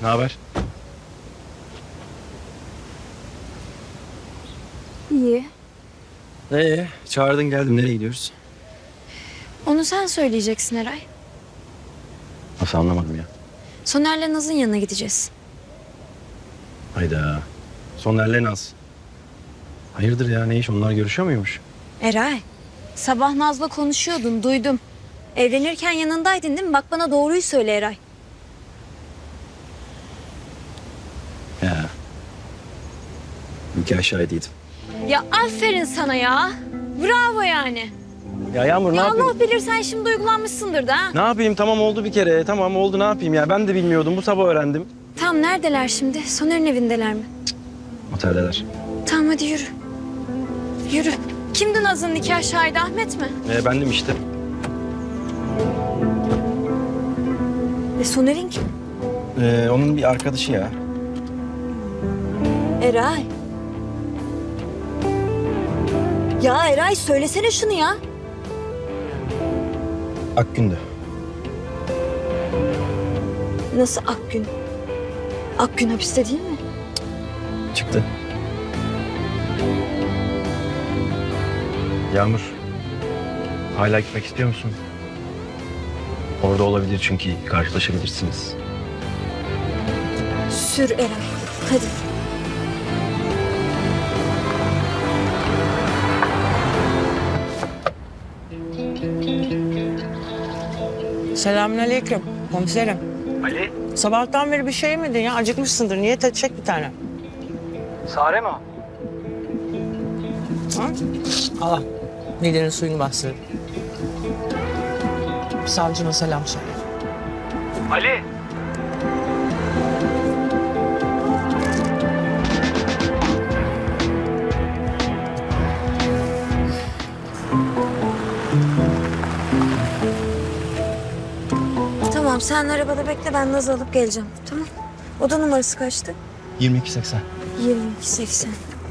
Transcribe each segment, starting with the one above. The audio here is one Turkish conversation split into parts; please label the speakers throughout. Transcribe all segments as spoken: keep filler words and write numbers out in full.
Speaker 1: Ne haber?
Speaker 2: İyi.
Speaker 1: Ee, çağırdın geldim. Nereye gidiyoruz?
Speaker 2: Onu sen söyleyeceksin Eray.
Speaker 1: Nasıl anlamadım ya.
Speaker 2: Soner'le Naz'ın yanına gideceğiz.
Speaker 1: Hayda. Soner'le Naz. Hayırdır ya, ne iş? Onlar görüşüyor muymuş?
Speaker 2: Eray, sabah Naz'la konuşuyordun, duydum. Evlenirken yanındaydın değil mi? Bak bana doğruyu söyle Eray.
Speaker 1: Ya. İki aşağıdaydım.
Speaker 2: Ya aferin sana ya. Bravo yani.
Speaker 1: Ya Yağmur ne
Speaker 2: Ya
Speaker 1: yapayım?
Speaker 2: Allah bilir sen şimdi duygulanmışsındır da ha.
Speaker 1: Ne yapayım? Tamam oldu bir kere. Tamam oldu, ne yapayım ya? Ben de bilmiyordum. Bu sabah öğrendim.
Speaker 2: Tamam neredeler şimdi? Soner'in evindeler mi?
Speaker 1: Oteldeler.
Speaker 2: Tamam hadi yürü. Yürü. Kimdi Naz'ın nikah şahidi, Ahmet mi?
Speaker 1: Ee, bendim işte.
Speaker 2: E Soner'in kim?
Speaker 1: Ee, onun bir arkadaşı ya.
Speaker 2: Eray. Ya Eray söylesene şunu ya.
Speaker 1: Akgün'dü.
Speaker 2: Nasıl Akgün? Akgün hapiste değil mi?
Speaker 1: Çıktı. Yağmur. Hala gitmek istiyor musun? Orada olabilir çünkü karşılaşabilirsiniz.
Speaker 2: Sür Eray. Hadi.
Speaker 3: Selamünaleyküm komiserim.
Speaker 1: Ali.
Speaker 3: Sabahtan beri bir şey yemedin ya. Acıkmışsındır. Niyet edecek bir tane.
Speaker 1: Sare mi o?
Speaker 3: Ha? Al. Midenin suyunu bastır. Savcıma selam söyle.
Speaker 1: Ali.
Speaker 2: Tamam sen arabada bekle, ben Naz'ı alıp geleceğim. Tamam. Oda numarası kaçtı?
Speaker 1: yirmi iki seksen.
Speaker 2: yirmi iki seksen.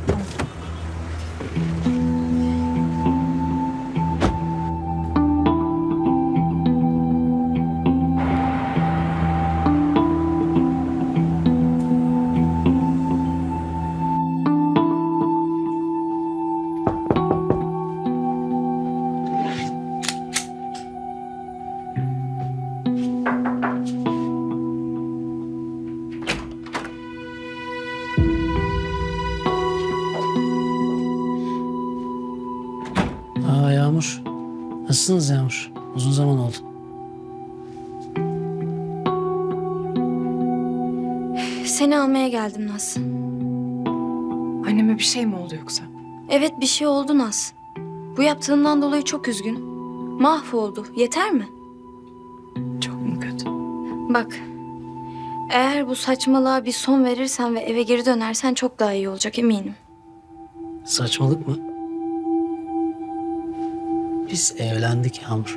Speaker 4: Aa Yağmur. Nasılsınız Yağmur? Uzun zaman oldu.
Speaker 2: Seni almaya geldim Naz.
Speaker 5: Anneme bir şey mi oldu yoksa?
Speaker 2: Evet bir şey oldu Naz. Bu yaptığından dolayı çok üzgün. Mahvoldu. Yeter mi?
Speaker 5: Çok mu kötü?
Speaker 2: Bak. Eğer bu saçmalığa bir son verirsen ve eve geri dönersen çok daha iyi olacak eminim.
Speaker 4: Saçmalık mı? Biz evlendik Yağmur.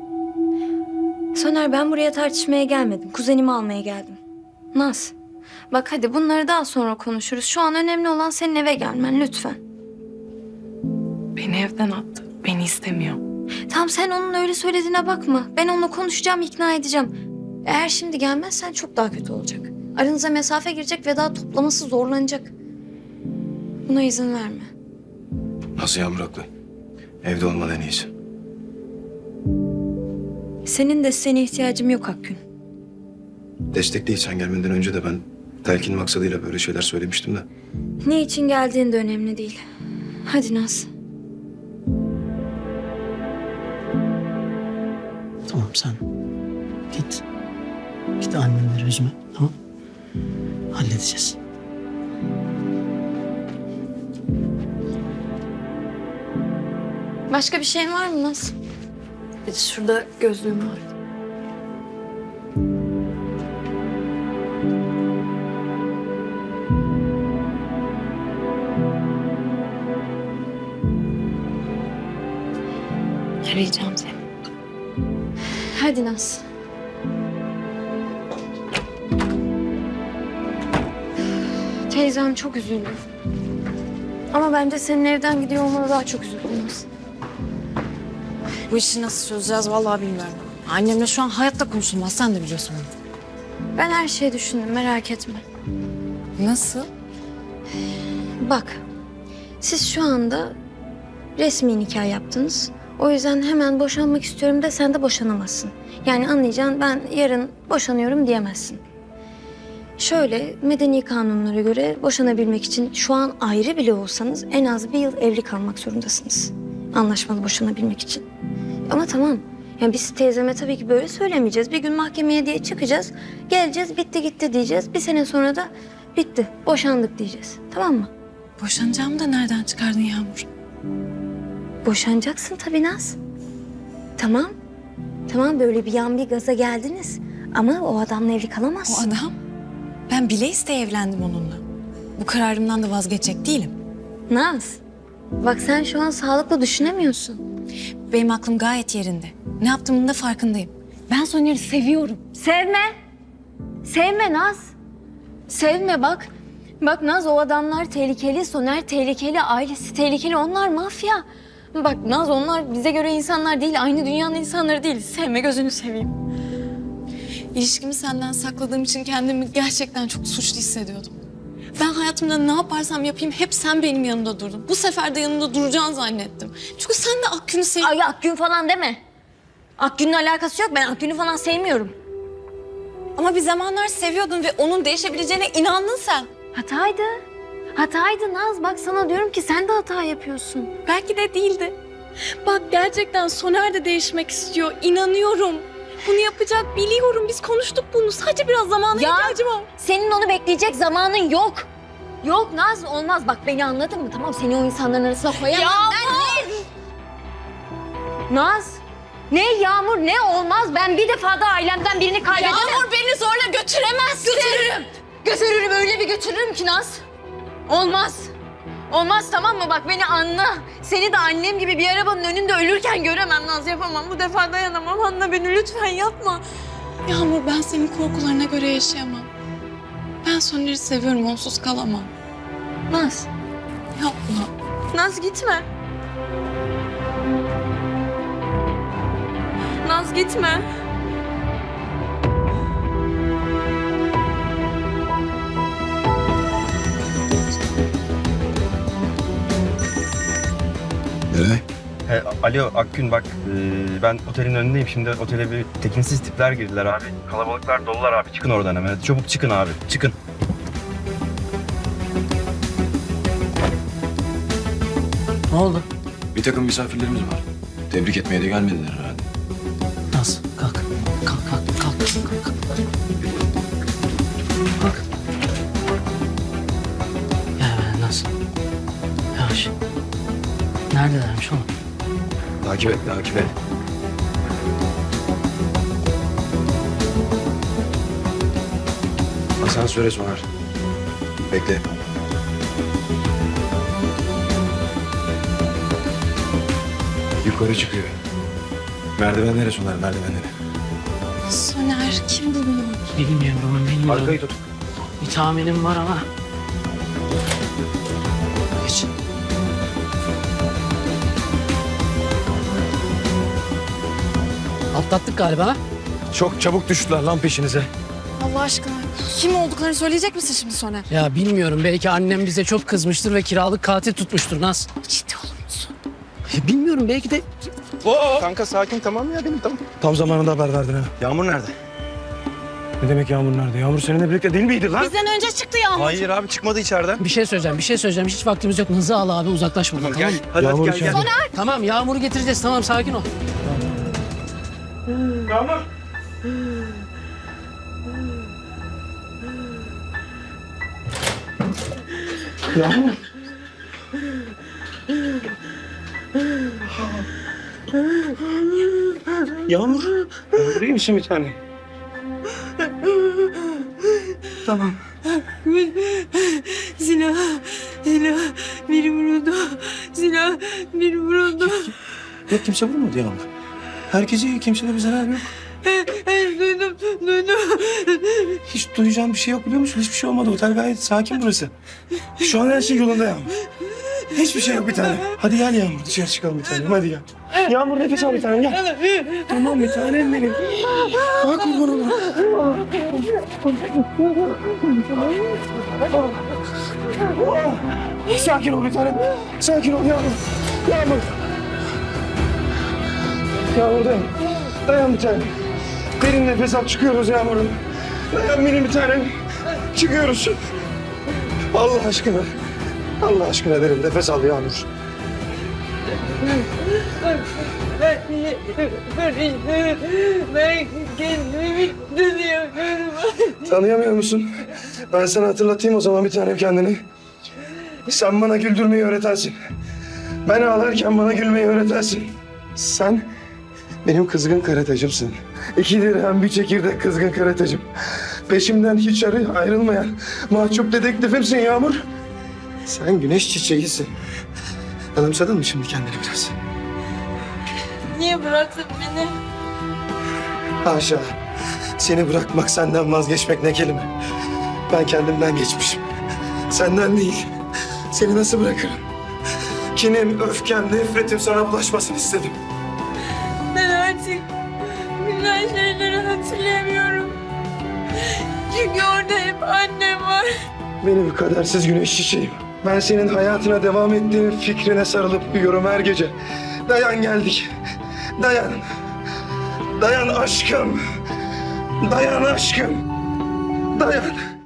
Speaker 2: Soner ben buraya tartışmaya gelmedim. Kuzenimi almaya geldim. Naz. Bak hadi bunları daha sonra konuşuruz. Şu an önemli olan senin eve gelmen lütfen.
Speaker 5: Beni evden attı. Beni istemiyor.
Speaker 2: Tamam sen onun öyle söylediğine bakma. Ben onunla konuşacağım, ikna edeceğim. Eğer şimdi gelmezsen çok daha kötü olacak. Aranıza mesafe girecek ve daha toplaması zorlanacak. Buna izin verme.
Speaker 6: Nasıl Yağmur haklı? Evde olman en iyisi.
Speaker 2: Senin desteğine ihtiyacım yok Akgün.
Speaker 6: Destek değil, sen gelmeden önce de ben telkin maksadıyla böyle şeyler söylemiştim de.
Speaker 2: Ne için geldiğin de önemli değil. Hadi Naz.
Speaker 4: Tamam sen git. Git annenleri üzme. Tamam. Halledeceğiz.
Speaker 2: Başka bir şeyin var mı Naz? Bir de şurada gözlüğüm var.
Speaker 5: Arayacağım seni.
Speaker 2: Hadi Naz. Teyzem çok üzüldü. Ama bence senin evden gidiyor olmana daha çok üzüldü Naz.
Speaker 3: Bu işi nasıl çözeceğiz vallahi bilmiyorum. Annemle şu an hayatta konuşulmaz. Sen de biliyorsun bunu.
Speaker 2: Ben her şeyi düşündüm, merak etme.
Speaker 5: Nasıl?
Speaker 2: Bak, siz şu anda resmi nikah yaptınız. O yüzden hemen boşanmak istiyorum de sen de boşanamazsın. Yani anlayacaksın, ben yarın boşanıyorum diyemezsin. Şöyle, medeni kanunlara göre boşanabilmek için şu an ayrı bile olsanız en az bir yıl evli kalmak zorundasınız. Anlaşmalı boşanabilmek için. Ama tamam, yani biz teyzeme tabii ki böyle söylemeyeceğiz. Bir gün mahkemeye diye çıkacağız, geleceğiz, bitti gitti diyeceğiz. Bir sene sonra da bitti, boşandık diyeceğiz. Tamam mı?
Speaker 5: Boşanacağımı da nereden çıkardın Yağmur?
Speaker 2: Boşanacaksın tabii Naz. Tamam, tamam böyle bir yan bir gaza geldiniz. Ama o adamla evli
Speaker 5: O
Speaker 2: kalamazsın.
Speaker 5: adam, ben bile isteye evlendim onunla. Bu kararımdan da vazgeçecek değilim.
Speaker 2: Naz, bak sen şu an sağlıklı düşünemiyorsun.
Speaker 5: Benim aklım gayet yerinde. Ne yaptığımın da farkındayım. Ben Soner'i seviyorum.
Speaker 2: Sevme. Sevme Naz. Sevme bak. Bak Naz, o adamlar tehlikeli, Soner tehlikeli, ailesi tehlikeli. Onlar mafya. Bak Naz, onlar bize göre insanlar değil, aynı dünyanın insanları değil. Sevme, gözünü seveyim.
Speaker 5: İlişkimi senden sakladığım için kendimi gerçekten çok suçlu hissediyordum. Ben hayatımda ne yaparsam yapayım hep sen benim yanımda durdun. Bu sefer de yanımda duracağını zannettim. Çünkü sen de Akgün'ü seviyorsun.
Speaker 2: Ay Akgün falan deme. Akgün'ün alakası yok. Ben Akgün'ü falan sevmiyorum.
Speaker 5: Ama bir zamanlar seviyordun ve onun değişebileceğine inandın sen.
Speaker 2: Hataydı. Hataydı Naz. Bak sana diyorum ki sen de hata yapıyorsun.
Speaker 5: Belki de değildi. Bak gerçekten Soner de değişmek istiyor. İnanıyorum. Bunu yapacak biliyorum. Biz konuştuk bunu. Sadece biraz zamana
Speaker 2: Ya-
Speaker 5: ihtiyacım var.
Speaker 2: Senin onu bekleyecek zamanın yok. Yok Naz, olmaz. Bak beni anladın mı? Tamam, seni o insanların arasına koyamam.
Speaker 5: Ya
Speaker 2: Ben ne? Naz, ne Yağmur, ne olmaz. Ben bir defa da ailemden birini kaybedemem.
Speaker 5: Yağmur beni zorla götüremezsin.
Speaker 2: Götürürüm. Götürürüm, öyle bir götürürüm ki Naz. Olmaz. Olmaz, tamam mı? Bak beni anla. Seni de annem gibi bir arabanın önünde ölürken göremem Naz, yapamam. Bu defa dayanamam. Anla beni lütfen, yapma. Yağmur, ben senin korkularına göre yaşayamam. Ben Soner'i seviyorum, onsuz kalamam. Naz,
Speaker 5: Yapma.
Speaker 2: Naz gitme. Naz gitme.
Speaker 6: Eray.
Speaker 1: He, alo Akgün bak e, ben otelin önündeyim. Şimdi otele bir tekinsiz tipler girdiler abi. Kalabalıklar dolular abi. Çıkın oradan hemen. Hadi çabuk çıkın abi. Çıkın.
Speaker 4: Ne oldu?
Speaker 6: Bir takım misafirlerimiz var. Tebrik etmeye de gelmediler herhalde.
Speaker 4: Naz kalk. Kalk kalk kalk. Kalk. Kalk. Kalk. Gel hemen Naz. Yavaş. Neredelermiş oğlum?
Speaker 6: Takip et, takip et. Asansöre sonar. Bekle. Yukarı çıkıyor. Merdivenlere sonar, merdivenlere.
Speaker 5: Soner kim bu?
Speaker 4: Bilmiyorum bilmiyorum.
Speaker 6: Arkayı tut.
Speaker 4: Bir tahminim var ama. Geç. Atlattık galiba. ha?
Speaker 6: Çok çabuk düştüler lan peşinize.
Speaker 5: Allah aşkına kim olduklarını söyleyecek misin şimdi Soner?
Speaker 4: Ya bilmiyorum, belki annem bize çok kızmıştır ve kiralık katil tutmuştur Naz.
Speaker 5: Ciddi olur musun?
Speaker 4: Ya bilmiyorum, belki de
Speaker 1: Oo, kanka sakin, tamam ya benim, tamam.
Speaker 6: Tam zamanında haber verdin ha.
Speaker 1: Yağmur nerede?
Speaker 6: Ne demek Yağmur nerede? Yağmur seninle birlikte değil miydi lan?
Speaker 5: Bizden önce çıktı Yağmur.
Speaker 1: Hayır abi, çıkmadı içeriden.
Speaker 4: bir şey söyleyeceğim, bir şey söyleyeceğim. Hiç vaktimiz yok. Hızı al abi, uzaklaş buradan, tamam,
Speaker 1: Gel.
Speaker 4: mı?
Speaker 1: Hadi,
Speaker 6: Yağmur
Speaker 1: hadi gel gel.
Speaker 6: içeride.
Speaker 4: Tamam, Yağmur'u getireceğiz. Tamam, sakin ol.
Speaker 1: Yağmur.
Speaker 6: Yağmur. Yağmur. Yağmur iyi misin bir tane? Tamam.
Speaker 3: Silah, silah, biri vuruldu. Silah, biri vuruldu.
Speaker 6: Yok, kimse vurmadı Yağmur. Herkes iyi, kimsede bir zarar yok.
Speaker 3: Hayır, duydum, duydum.
Speaker 6: Hiç duyacağım bir şey yok biliyor musun? Hiçbir şey olmadı. Otel gayet sakin burası. Şu an her şey yolunda Yağmur. Hiçbir şey yok bir tane. Hadi gel Yağmur dışarı çıkalım bir tanem hadi gel. Yağmur nefes al bir tanem gel. Tamam bir tanem benim. Bak kurban olayım. Sakin ol bir tanem. Sakin ol Yağmur. Yağmur. Yağmur dayan. Dayan bir tanem. Derin nefes al çıkıyoruz Yağmur'um. Dayan benim bir tanem. Çıkıyoruz. Allah aşkına. Allah aşkına derin nefes al Yağmur.
Speaker 3: Ben kendimi tanıyamıyorum.
Speaker 6: Tanıyamıyor musun? Ben sana hatırlatayım o zaman bir tanem kendini. Sen bana güldürmeyi öğretensin. Ben ağlarken bana gülmeyi öğretensin. Sen benim kızgın karatacımsın. İki dirhem bir çekirdek kızgın karatacım. Peşimden hiç arı ayrılmayan mahcup dedektifimsin Yağmur. Sen güneş çiçeğisin. Anımsadın mı şimdi kendini biraz?
Speaker 3: Niye bıraktın beni?
Speaker 6: Haşa. Seni bırakmak, senden vazgeçmek ne kelime. Ben kendimden geçmişim. Senden değil. Seni nasıl bırakırım? Kinim, öfkem, nefretim sana bulaşmasın istedim.
Speaker 3: Ben artık güzel şeyleri hatırlamıyorum. Çünkü orada hep annem var.
Speaker 6: Benim kadersiz güneş çiçeğim. Ben senin hayatına devam ettiğin fikrine sarılıp uyuyorum her gece. Dayan geldik. Dayan. Dayan aşkım. Dayan aşkım. Dayan.